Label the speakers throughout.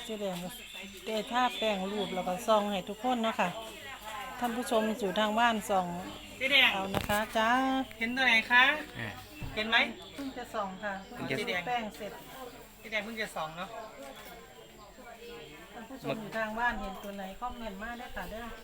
Speaker 1: เจ๊แดงได้ท่าแป้งรูปแล้วก็ส่องให้ทุกคนเนาะค่ะท่านผู้ชมอยู่ทางบ้านส่อง
Speaker 2: เจ๊แดง
Speaker 1: เอานะคะจ้า
Speaker 2: เห็นตัวไหนคะเห็นไหม
Speaker 1: เพิ่งจะส่องค่ะเพิ่งจะแป้งเสร็จ
Speaker 2: เจ๊แดงเพิ่งจะส่องเนาะ
Speaker 1: ท่านผู้ชมอยู่ทางบ้านเห็นตัวไหนคอมเมนต์มาได้ค่ะเด้อ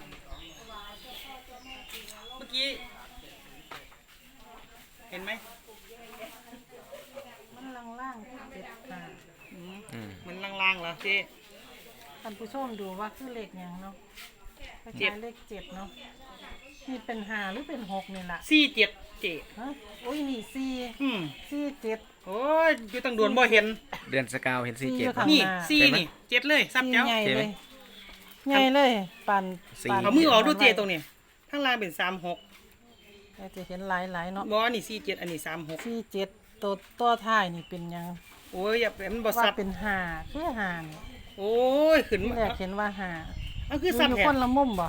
Speaker 2: เมื่อกี้เห็นไหม
Speaker 1: มันล่างๆที่เจ็ดค่ะ
Speaker 2: มันล่างๆเหรอเจ๊
Speaker 1: ท่านผู้ชมดูว่าคือเลขอย่างเนาะเป็นเลขเจ็ดเนาะนี่เป็น5หรือเป็น6นี่แหละ
Speaker 2: 47เจ๊
Speaker 1: ฮะโอ้ยนี่47
Speaker 2: โอ้ยอยู่ตั้งด่วนบ่เห็น
Speaker 3: เดือนสกาวเห็น47
Speaker 2: นี่นี่7เลยซับเจ้า
Speaker 1: ใหญ่เลยปั่น
Speaker 2: เอามือออกดูเจ๊ตรงนี้ข้างล่างเป็น36
Speaker 1: จะเห็นหลายเนาะ
Speaker 2: บ่นี่47อันนี้36
Speaker 1: ตัวท้ายนี่เป็นยัง
Speaker 2: โอ้ยอย่าเป็นบ่ซับ
Speaker 1: เป็น5คือ5นี่
Speaker 2: โอ้ยขึ้น
Speaker 1: แรกเห็นว่า5
Speaker 2: มันคือซับแท้
Speaker 1: คนละมุมบ่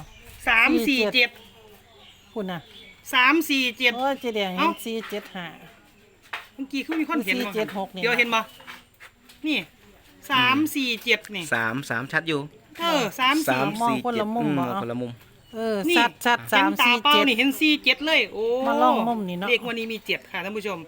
Speaker 2: 347
Speaker 1: คุณน่ะ
Speaker 2: 347
Speaker 1: โอ้ยเจ๊แดงเห็น475
Speaker 2: เมื่อกี้คือมีคนเห็นบ่
Speaker 1: 476นี่
Speaker 2: เดี๋ยวเห็นบ่นี่347นี่
Speaker 3: 3ชัดอยู่
Speaker 2: 3
Speaker 1: มองคนละมุมบ่
Speaker 3: คนละมุม
Speaker 1: ชัด
Speaker 2: 3 4 7นี่เห็น47เลยโอ้
Speaker 1: มาลองมุมนี่เนาะ
Speaker 2: เด็กวันนี้มี7ค่ะท่านผู้ชม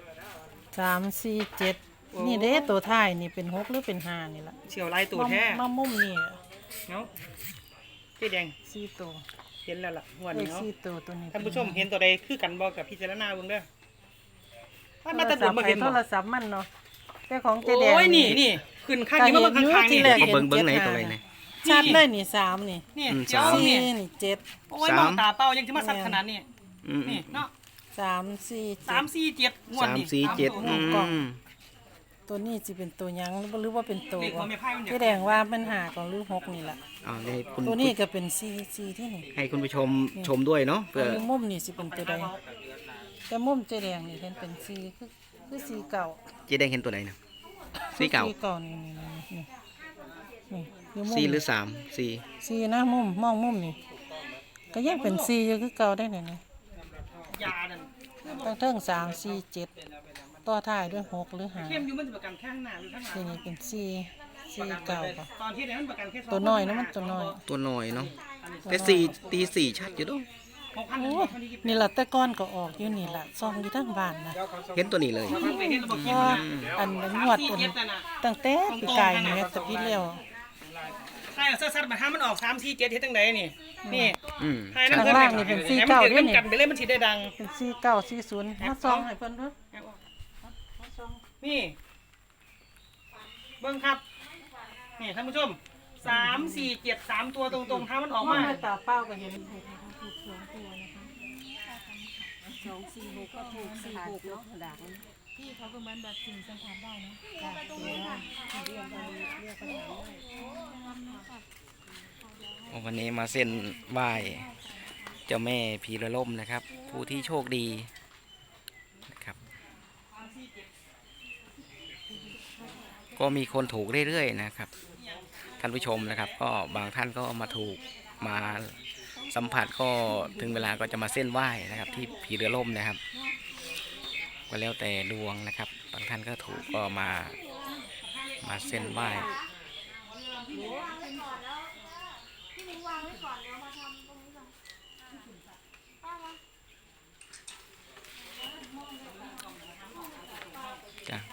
Speaker 1: 347นี่เด้ตัวท้ายนี่เป็น6หรือเป็น5นี่ล่ะ
Speaker 2: เฉียวลายตัวแท้
Speaker 1: มามุมนี่
Speaker 2: เนาะเจ๊แดง
Speaker 1: 4ตัว
Speaker 2: เห็นแล้วล่ะงวดนี้เนาะ
Speaker 1: ตัวนี้
Speaker 2: ท่านผู้ชมเห็นตัวใดคือกันบ่กับพิจารณาเบิ่งเด้อมาตะดุมาเห็นบ่
Speaker 1: โทรศัพท์มันเนาะแต่ของเจ๊แดง
Speaker 2: โอ้ยนี่ขึ้นข้างนี้มาข้างๆนี่
Speaker 3: เบิ่งไหนตัวไหนนี่
Speaker 1: ชัดเลยนี่3นี่
Speaker 2: เจ้านี่
Speaker 1: นี่7
Speaker 2: โอ้ยมองตาเป้ายังสิมาสัดขนาดนี้นี่เนาะ347งวดนี้
Speaker 1: ตัวนี้สิเป็นตัวยังหรือว่าเป็นตัวเจ๊แดงว่ามัน5ของหรือ6นี่ล่ะตัวนี้ก็เป็น4ที่นี่
Speaker 3: ให้คุณผู้ชมชมด้วยเนาะ
Speaker 1: เพื่อมุมนี่สิเป็นตัวใดแต่มุมเจ๊แดงนี่เห็นเป็น4คือ4เก่า
Speaker 3: เจ๊แดงเห็นตัวไหนนะ4เก่านี่4หรือ3
Speaker 1: 4นะมองมุมนี่ก็ยังเป็น4อยู่คือเก่าได้นี่
Speaker 2: ยานั่น
Speaker 1: ตั้งเทิง3 4 7ต่อท้ายด้วย6หรือ5
Speaker 2: เข้มอยู่มันจะประกันข้างหน้าหรือข้างหลัง
Speaker 1: นี่เป็น4เก่าป่ะ
Speaker 2: ตอนที่นั้นประกันแค่
Speaker 1: ตัวน้อยนะมันตัวน้
Speaker 3: อยเนาะแต่4ตี4ชัดอยู่ด้วย
Speaker 1: นี่ล่ะแต่ก้อนก็ออกอยู่นี่ล่ะซองอยู่ทั้งบ้านนะ
Speaker 3: เห็นตัวนี้เลย
Speaker 1: อันงวดตั้งแต่ปีกายนี่แต่พี่เลี้ยว
Speaker 2: ใช่ซัดมาถ้ามันออก3 4 7เฮ็ดจังไดนี่
Speaker 1: ข้างล่างนี่เป็น49ด้วยนี่
Speaker 2: กันไปเลยมันสิได้ดัง
Speaker 1: เป็น49 40มาซองให้เพิ่นเด้อ
Speaker 2: นี่เบิ่งครับนี่ท่านผู้ชม3 4 7 3ตัวตรงๆถ้ามันออกมา
Speaker 1: ตาเป้าก็เห็นถูก2ตัวนะคะ2 4 6ก็ถูก4 6เนาะดากพี่เขาก็เหมือนแบบสิ่งสัมผัสได้เนาะ
Speaker 3: วันนี้มาเส้นไหว้เจ้าแม่พีระล่มนะครับผู้ที่โชคดีนะครับก็มีคนถูกเรื่อยๆนะครับท่านผู้ชมนะครับก็บางท่านก็มาถูกมาสัมผัสก็ถึงเวลาก็จะมาเส้นไหว้นะครับที่พีระล่มนะครับก็แล้วแต่ดวงนะครับบางท่านก็ถูกก็มาเส้นไหว้จ้ะ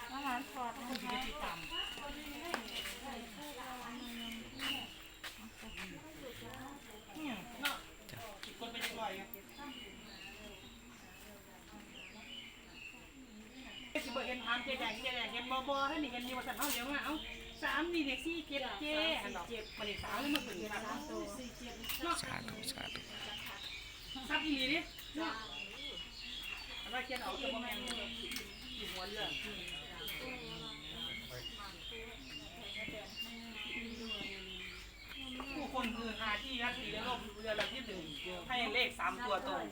Speaker 2: เห็นทานเจ๊แดงเห็นบอให้นี่เห็นนี่ว่าสัตว์เขาเลี้ยงมาเอา3นี่เด็ก4 7เจ๊อันดอกมันอีก3แล้วมันขึ้น3
Speaker 3: สาธุ
Speaker 2: ซับอีหลีดิอะไรเขียนเอาตัวแม่อยู่หัวเรือผู้คนคือหาที่รักดีและโลกเรือลำที่1ให้เลข3ตัวตรง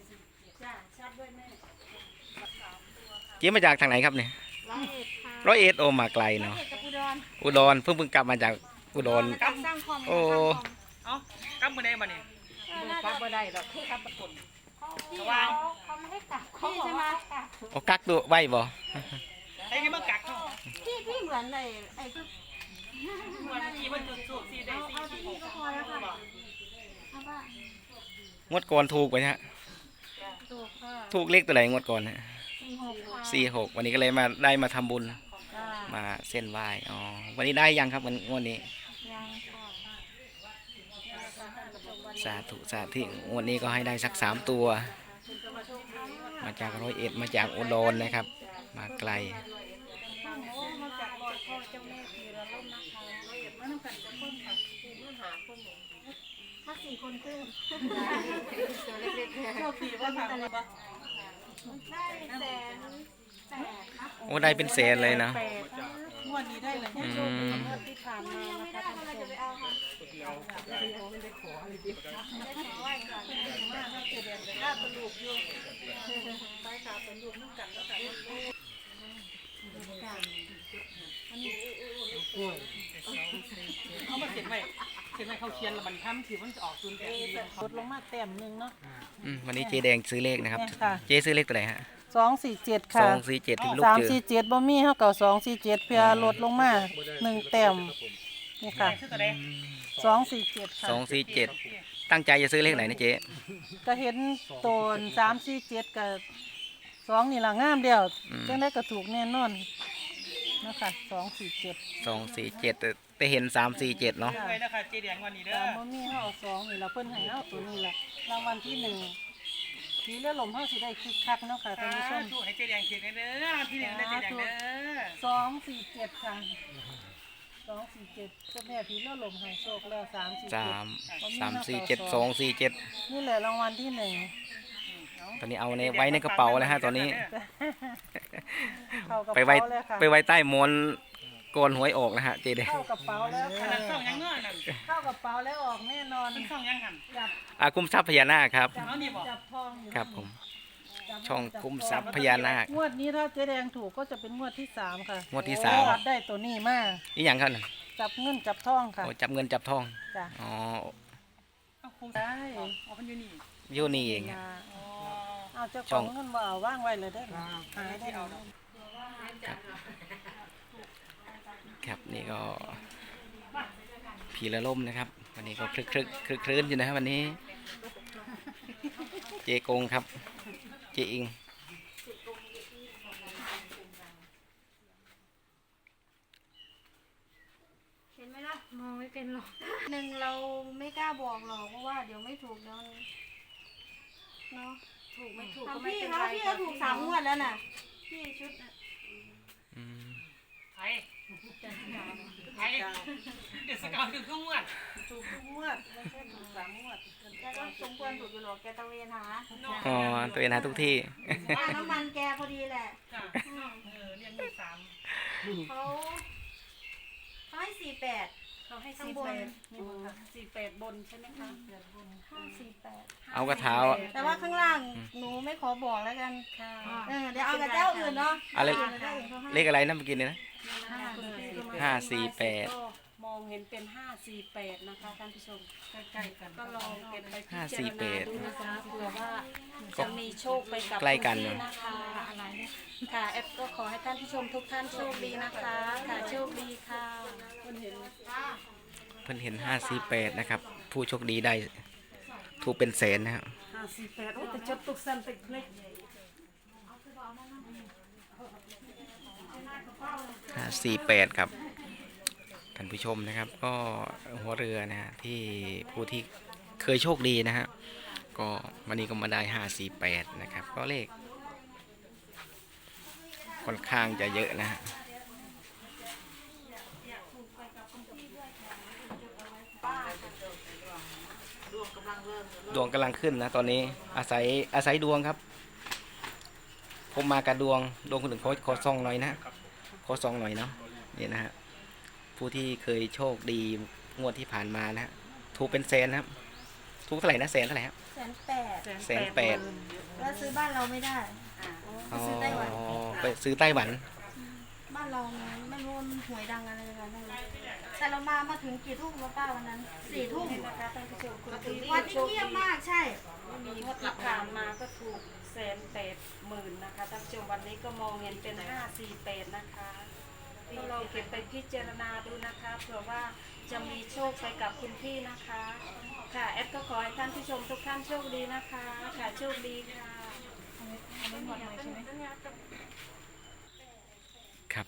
Speaker 3: เจ๊มาจากทางไหนครับเนี่ย101โอมาไกลเนาะอุดรเพิ่งกลับมาจากอุดรโอ้
Speaker 2: เอากลับมาได้มาเนี่ย
Speaker 1: กลับมาได้หรอกคือกลับตะกน
Speaker 4: เขาไม่ให้กักพี่ใช่ไหม
Speaker 3: โอ้กักตัวไว้บ่
Speaker 2: ไอ้ที่มากักเขา
Speaker 4: พี่เหมือนไอ้
Speaker 2: วันนี้มันจุดสูบ4ได้4 4 6
Speaker 4: ก็พอแล้วค่ะเอาป่ะ
Speaker 3: งวดก่อนถูกไปฮะ
Speaker 1: ถูกค่ะ
Speaker 3: ถูกเลขตัวไหนงวดก่อนฮะ
Speaker 4: 46ค่ะ
Speaker 3: 46วันนี้ก็เลยมาได้มาทำบุญ
Speaker 1: จ้า
Speaker 3: มาเส้นไหว้อ๋อวันนี้ได้ยังครับวันงวดนี้
Speaker 4: ยังค่ะ
Speaker 3: สาธุสาธุงวดนี้ก็ให้ได้สัก3 ตัว มาจาก101มาจากอุดรนะครับ มาไกล
Speaker 1: มาจากรอยพ่อเจ้าแม่พีระล่มนะคะมาทำกันจะคนค่ะมาหาคนหนู
Speaker 4: ถ้า4 คนครึ่ง
Speaker 1: ตัวเล็กๆ
Speaker 2: โชคดีว่าค่ะ
Speaker 4: ได้100,008ครับ
Speaker 3: โอ้ได้เป็นแสนเลยนะ
Speaker 1: งวดนี้ได้เลย
Speaker 3: อืม
Speaker 1: งวดที่ผ่านมา
Speaker 4: ยัง
Speaker 1: นะ
Speaker 4: ไม่
Speaker 1: คะ
Speaker 4: ได้
Speaker 1: ท่าน
Speaker 4: กำลัง
Speaker 1: ผู้ช
Speaker 4: จะ
Speaker 1: ม
Speaker 4: ไปเอาค่ะไม่ได้ขอไหว้ค่ะ
Speaker 1: หน้าตลูกอยู่ไปขาเป็นลูกน้ำกันแล้วกัน
Speaker 2: เขามาเขียนไว้เขาเขียนแล้วมันทำที่มันจะออกศูนย์แปด
Speaker 1: ลดลงมาแต้มหนึ่งเนาะ
Speaker 3: วันนี้เจแดงซื้อเลขนะครับ
Speaker 1: เนี่ยค่ะ
Speaker 3: เจซื้อเลขตัวไหนฮะ
Speaker 1: 247 ค่ะ
Speaker 3: 247ที่ลูกเจอ
Speaker 1: 347บ่มีเท่ากับ247เพื่อลดลงมา1 แต้มนี่ค่ะ
Speaker 2: ชื่อตัวใด
Speaker 1: 247 ค่ะ
Speaker 3: 247ตั้งใจจะซื้อเลขไหนนะเจ๊
Speaker 1: ก็เห็นโตน347กับ2นี่ล่ะงามเดียวจังได้ก็ถูกแน่นอนนะคะ247
Speaker 3: 247แต่เห็น347เนาะ
Speaker 2: ไว้นะคะเจแดงวันนี้เด้อ
Speaker 1: ตามบ่มีเฮาเอา2นี่ล่ะเพิ่นให้เอาตัวนี้ล่ะรางวัลที่1ทีเรือลมเฮาสิได้คึกคักเนาะค่ะท่านผู้ชม
Speaker 2: ถูกให้เจแดงเขียนเด้อที่หนึ่งได้เจแดงเด้อ
Speaker 1: 247ค่ะ247เจ้าแม่ผีเรือลมให้โชคแล้ว347
Speaker 3: 347
Speaker 1: นี่แหละรางวัลที่1
Speaker 3: ตอนนี้เอาในไว้ในกระเป๋าแล้วฮะตอนนี้
Speaker 1: เข้ากระ
Speaker 3: ไปไว้
Speaker 1: เป๋าแล้วค่ะ
Speaker 3: ไปไว้ใต้หมอนก่อนหวยออกนะฮะเจแดง
Speaker 1: เข้ากระเป๋าแล้ว
Speaker 2: อัน
Speaker 1: ค่ะ
Speaker 2: นั้นช่องยังเงื่อนนั่น
Speaker 1: เข้ากระเป๋าแล้วออกแน่นอน
Speaker 2: เป็นช่องยังหัน
Speaker 1: จับ
Speaker 3: คุ้มทรัพย์พญานาคครับ
Speaker 2: เอานี่บอก
Speaker 1: จับทองอยู่
Speaker 3: ครับผม
Speaker 1: จับ
Speaker 3: ช่อง
Speaker 1: จับ
Speaker 3: คุ้ม
Speaker 1: ท
Speaker 3: ทรัพย์พญานาค
Speaker 1: งวดนี้ถ้าเจ๊แดงถูกก็จะเป็นงวดที่3ค่ะ
Speaker 3: งวดที่
Speaker 1: จับได้ตัวนี้มา
Speaker 3: นี่อย่างครับน่ะ
Speaker 1: จับเงินจับทองค่ะ
Speaker 3: โอ้จับเงินจับทอง
Speaker 1: จ้ะ
Speaker 3: อ๋อ
Speaker 2: เอาคุ้ม
Speaker 1: ได้
Speaker 2: เอาเป็นอยู่นี่
Speaker 3: อยู่นี่เอง
Speaker 1: นะ
Speaker 2: อ๋อ
Speaker 1: เอาเจ้าข
Speaker 3: ช่
Speaker 1: อ
Speaker 3: อง
Speaker 1: งเงินว่าเอาว่างไว้เลยได้อหายได้เอา
Speaker 3: ครับนี่ก็ผีละล่มนะครับ วันนี้ก็คลึกคลื้นอยู่นะครับวันนี้ เจกงครับ เจอิง
Speaker 4: เห็นไหมล่ะมองไม่เป็นหรอกเราไม่กล้าบอกหรอกเพราะว่าเดี๋ยวไม่ถูกแล้วเนาะ
Speaker 1: ถูกไม่ถูก
Speaker 4: ทำพี่เขาพี่ก็ถูก3 งวดแล้วน่ะพี่ชุดน่ะ
Speaker 3: อืม
Speaker 2: ไทยไทยเดี๋ยวสกาวถึงเครื่องวัด
Speaker 1: ถูกทุกงวดไม่ใช่ถูก3 งวด
Speaker 4: แกก็สมควรถูกอยู่หรอกแกตะเวนหา
Speaker 3: อ๋อตัวเองหาทุกที่
Speaker 4: ค่าน้ำมันแกพอดีแหละ
Speaker 2: จ้ะเรียนมี3
Speaker 4: เขาให้48
Speaker 1: เขาให้
Speaker 4: ข้างบน
Speaker 1: นี่บนค่ะ48บนใช่ไหมคะ8บน
Speaker 4: 548
Speaker 3: เอากระเท้า
Speaker 4: แต่ว่าข้างล่างหนูไม่ขอบอกแล้วกัน
Speaker 1: ค่ะ
Speaker 4: เดี๋ยวเอากับเจ้าอื่นเนาะ
Speaker 3: อะไร
Speaker 4: เจ้าอื่นเขาให้
Speaker 3: เลขอะไรนะเมื่อกี้เนี่ยนะ 548
Speaker 1: มองเห็นเป็น548นะคะท่านผู้ชมใกล้ๆกันก็ลองเก็บไปพิจารณา
Speaker 3: 548
Speaker 1: ดูนะคะเผื่อว่าจะมีโชคไปกับ
Speaker 3: ใกล้กัน
Speaker 1: คุณพี่นะคะอะไรเนี่ยค่ะแอปก็ขอให้ท่านผู้ชมทุกท่านโชคดีนะคะค่ะโชคดีค่ะคนเห็น
Speaker 3: เพิ่นเห็น548นะครับ ผู้โชคดีได้ถูกเป็นแสนนะครับ
Speaker 1: 548โอ้แต่จดตุกสันติกเล็ก
Speaker 3: 548ครับท่านผู้ชมนะครับ ก็หัวเรือนะฮะที่ผู้ที่เคยโชคดีนะฮะก็วันนี้ก็มาได้548นะครับ ก็เลขค่อนข้างจะเยอะนะฮะดวงกำลังขึ้นนะตอนนี้อาศัยดวงครับ ผมมากับดวงคนอื่นขอซองหน่อยนะขอซองหน่อยเนาะนี่นะฮะผู้ที่เคยโชคดีงวดที่ผ่านมานะฮะถูกเป็นแสนนะครับถูกเท่าไหร่นะแสนเท่าไหร่ครับ
Speaker 4: 108
Speaker 3: 108
Speaker 4: แล้วซื้อบ้านเราไม่ได้
Speaker 3: อ๋อ
Speaker 4: ซื้อไต้หวัน
Speaker 3: ไปซื้อไต้หวัน
Speaker 4: บ้านเราไม่รู้มันหวยดังอะไรกันนั่นเลยแต่เรามาถึงกี่ทุ่มแล้วป้าวันนั้น4 ทุ่ม
Speaker 1: นะคะท่านผู้ชมคุณพี่
Speaker 4: วันที่เงียบมากใช่
Speaker 1: มีงวดที่ผ่านมาก็ถูก180,000นะคะท่านผู้ชมวันนี้ก็มองเห็นเป็น548นะคะ
Speaker 4: ก็ลองเก็บไปพิจารณาดูนะคะเผื่อว่าจะมีโชคไปกับคุณพี่นะคะค่ะแอดก็ขอให้ท่านผู้ชมทุกท่านโชคดีนะคะค่ะโชคดีค่ะ
Speaker 3: ครับ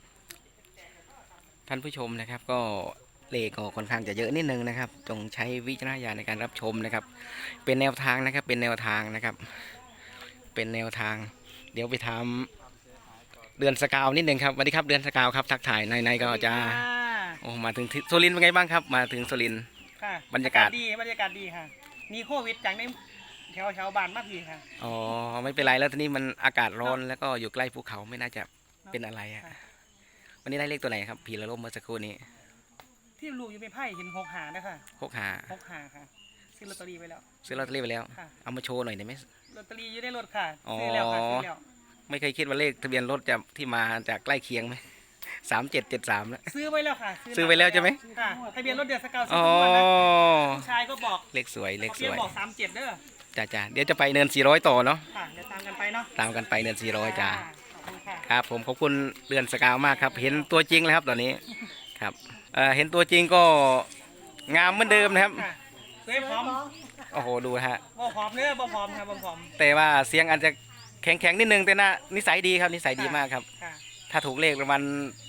Speaker 3: ท่านผู้ชมนะครับก็เลขก็ค่อนข้างจะเยอะนิดนึงนะครับจงใช้วิจารณญาณในการรับชมนะครับเป็นแนวทางนะครับเป็นแนวทางนะครับเป็นแนวทางเดี๋ยวไปทำเดือนสกาวนิดนึงครับสวัสดีครับเดือนสกาวครับทักทายในก็จะโอ้มาถึงสุรินทร์เป็นไงบ้างครับมาถึงสุรินทร์
Speaker 2: ค่ะ
Speaker 3: บรรยากาศ
Speaker 2: ดีบรรยากาศดีค่ะมีโควิดจังในแถวบ้านมากดีค่ะ
Speaker 3: อ๋อไม่เป็นไรแล้วทีนี้มันอากาศร้อนแล้วก็อยู่ใกล้ภูเขาไม่น่าจะเป็นอะไรอะ
Speaker 2: ค่ะ
Speaker 3: วันนี้ได้เลขตัวไหนครับผีละล่มเมื่อสักครู่นี้
Speaker 2: ที่ลูกอยู่ในไพ่เห็น6 หานะคะ
Speaker 3: 6 หา
Speaker 2: 6 หาค่ะซื้อลอตเตอรี่ไว้แล้ว
Speaker 3: ซื้อลอตเตอรี่ไปแล้ว
Speaker 2: ค่ะ
Speaker 3: เอามาโชว์หน่อยได้ไหม
Speaker 2: ลอตเตอรี่อยู่ในรถค่ะ
Speaker 3: อ๋อ
Speaker 2: ซื้อแล้วค่ะซื้อแล้ว
Speaker 3: ไม่เคยคิดว่าเลขทะเบียนรถจะที่มาจากใกล้เคียงไหม3773แล้ว
Speaker 2: ซื้อไว้แล้วค่ะ
Speaker 3: ซื้อไว้แล้วใช่ไหม
Speaker 2: ค่ะทะเบียนรถเดือนสกาวซื้
Speaker 3: อ๋
Speaker 2: อ
Speaker 3: อ
Speaker 2: ทุกวันนะลูกชายก็บอก
Speaker 3: เลขสวยเลขส
Speaker 2: เพีย
Speaker 3: วย
Speaker 2: บอก37เด้อ
Speaker 3: จ้าเดี๋ยวจะไปเนิน400ต่อเนาะ
Speaker 2: ค่ะเดี๋ยวตามกันไปเนาะ
Speaker 3: ตามกันไปเนิน400จ้า
Speaker 2: ขอบคุณค่ะ
Speaker 3: ครับผมขอบคุณเดือนสกาวมากครับ เห็นตัวจริงแล้วครับตอนนี้ครับเห็นตัวจริงก็งามเหมือนเดิมนะครับ
Speaker 2: ค่ะสวยพร้อม
Speaker 3: โอ้โหดูฮะ
Speaker 2: บ่พร้อมเนื้อบ่พร้อมค่ะบ่พร้อม
Speaker 3: แต่ว่าเสียงอาจจะแข็งนิดนึงแต่น่านิสัยดีครับนิสัยดีมากครับ
Speaker 2: ค่ะ
Speaker 3: ถ้าถูกเลขประมาณ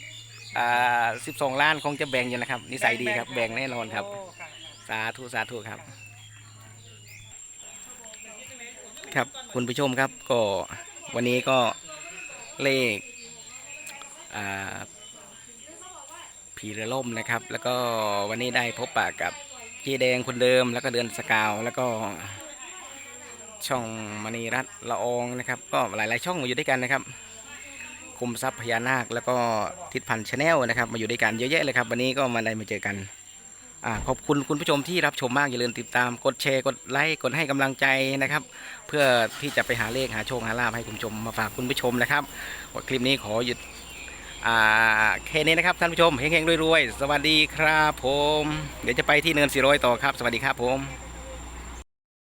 Speaker 3: 12 ล้านคงจะแบ่งอยู่นะครับนิสัยดีครับแบ่งแน่นอนครับ
Speaker 2: โอ้ค่ะ
Speaker 3: สาธุสาธุครับครับคุณผู้ชมครับก็วันนี้ก็เลขผีเรือล่มนะครับ แล้วก็วันนี้ได้พบปะกับเจ๊แดงคนเดิมแล้วก็เดือนสกาวแล้วก็ช่องมณีรัตน์ละอองนะครับ ก็หลายๆช่องมาอยู่ด้วยกันนะครับคุมทรัพย์พญานาคแล้วก็ทิศพันธ์ชาแนลนะครับมาอยู่ด้วยกันเยอะแยะเลยครับวันนี้ก็มาได้มาเจอกันขอบคุณคุณผู้ชมที่รับชมมากอย่าลืมติดตามกดแชร์กดไลค์กดให้กำลังใจนะครับ เพื่อที่จะไปหาเลขหาโชคหาลาภให้คุณผู้ชมมาฝากคุณผู้ชมนะครับคลิปนี้ขอหยุดแค่นี้นะครับท่านผู้ชมเฮงๆรวยๆสวัสดีครับผมเดี๋ยวจะไปที่เนิน400ต่อครับสวัสดีครับผม